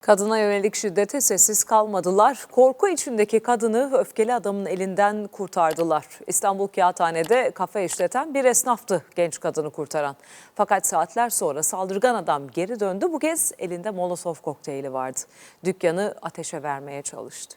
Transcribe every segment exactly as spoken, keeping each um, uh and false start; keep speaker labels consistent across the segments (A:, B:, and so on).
A: Kadına yönelik şiddete sessiz kalmadılar. Korku içindeki kadını öfkeli adamın elinden kurtardılar. İstanbul Kağıthane'de kafe işleten bir esnaftı genç kadını kurtaran. Fakat saatler sonra saldırgan adam geri döndü. Bu kez elinde Molotov kokteyli vardı. Dükkanı ateşe vermeye çalıştı.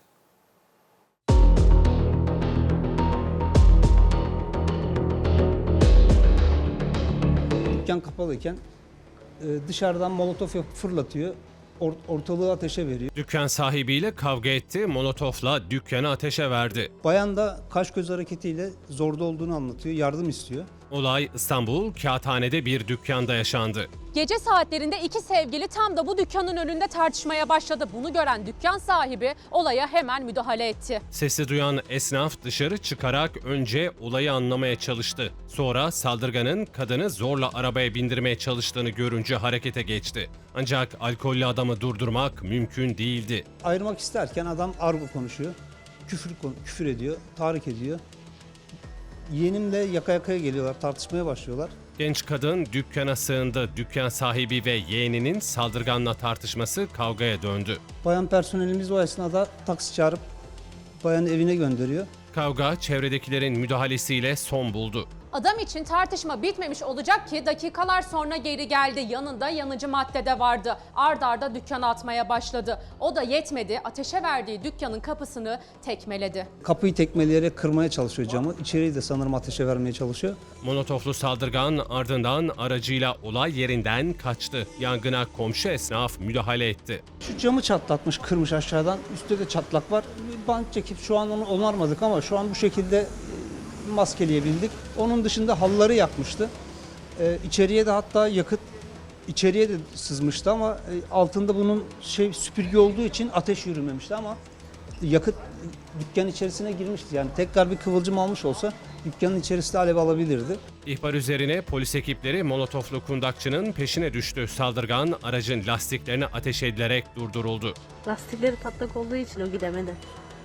B: Dükkan kapalıyken dışarıdan molotof yapıp fırlatıyor, ortalığı ateşe veriyor.
C: Dükkan sahibiyle kavga etti, molotofla dükkanı ateşe verdi.
B: Bayan da kaş göz hareketiyle zorda olduğunu anlatıyor, yardım istiyor.
C: Olay İstanbul Kağıthane'de bir dükkanda yaşandı.
D: Gece saatlerinde iki sevgili tam da bu dükkanın önünde tartışmaya başladı. Bunu gören dükkan sahibi olaya hemen müdahale etti.
C: Sesi duyan esnaf dışarı çıkarak önce olayı anlamaya çalıştı. Sonra saldırganın kadını zorla arabaya bindirmeye çalıştığını görünce harekete geçti. Ancak alkollü adamı durdurmak mümkün değildi.
B: Ayırmak isterken adam argo konuşuyor, küfür, küfür ediyor, tahrik ediyor. Yeğenimle yaka yakaya geliyorlar, tartışmaya başlıyorlar.
C: Genç kadın dükkana sığındı. Dükkan sahibi ve yeğeninin saldırganla tartışması kavgaya döndü.
B: Bayan personelimiz o esnada taksi çağırıp bayanı evine gönderiyor.
C: Kavga çevredekilerin müdahalesiyle son buldu.
D: Adam için tartışma bitmemiş olacak ki dakikalar sonra geri geldi. Yanında yanıcı madde de vardı. Ard arda dükkana atmaya başladı. O da yetmedi. Ateşe verdiği dükkanın kapısını tekmeledi.
B: Kapıyı tekmeleyerek kırmaya çalışıyor camı. İçeriği de sanırım ateşe vermeye çalışıyor.
C: Molotoflu saldırgan ardından aracıyla olay yerinden kaçtı. Yangına komşu esnaf müdahale etti.
B: Şu camı çatlatmış, kırmış aşağıdan. Üstte de çatlak var. Bir bant çekip şu an onu onarmadık ama şu an bu şekilde maskeleyebildik. Onun dışında halıları yakmıştı. Ee, içeriye de hatta yakıt içeriye de sızmıştı ama e, altında bunun şey süpürge olduğu için ateş yürümemişti ama yakıt dükkanın içerisine girmişti. Yani tekrar bir kıvılcım almış olsa dükkanın içerisinde alev alabilirdi.
C: İhbar üzerine polis ekipleri molotoflu kundakçının peşine düştü. Saldırgan aracın lastiklerine ateş edilerek durduruldu.
E: Lastikleri patlak olduğu için o gidemedi.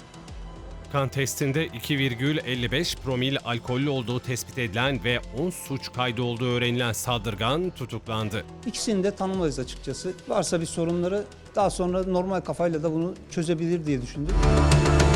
C: Kan testinde iki virgül elli beş promil alkollü olduğu tespit edilen ve on suç kaydı olduğu öğrenilen saldırgan tutuklandı.
B: İkisini de tanımayız açıkçası. Varsa bir sorunları daha sonra normal kafayla da bunu çözebilir diye düşündüm.